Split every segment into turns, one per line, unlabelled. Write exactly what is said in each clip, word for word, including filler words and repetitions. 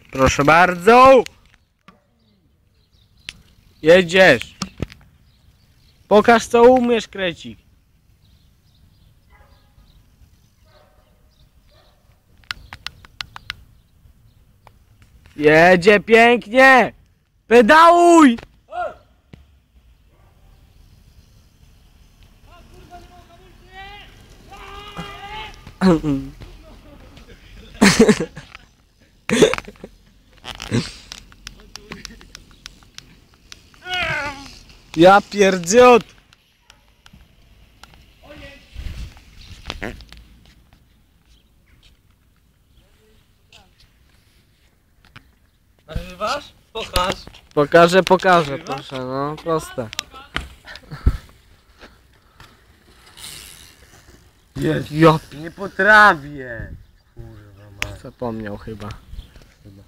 Proszę bardzo. Jedziesz. Pokaż co umiesz, krecik. Jedzie pięknie. Pedałuj. Ja pierdziot.
Nagrywasz? Pokaż.
Pokażę, pokażę, proszę, no proste.
Jest.
Ja
Nie potrafię. Kurwa mać.
zapomniał chyba.
Chyba.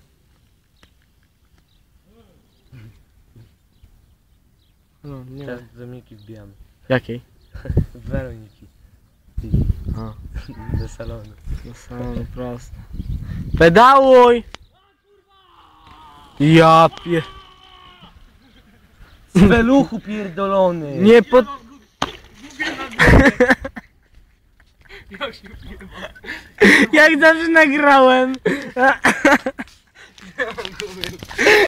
No, nie.
Teraz do Miki wbijamy.
Jakiej?
Weroniki.
A,
Do salonu.
no są proste. Pedałuj! Ja pie...
Z peluchu pierdolony.
Nie pod... Jak zawsze nagrałem.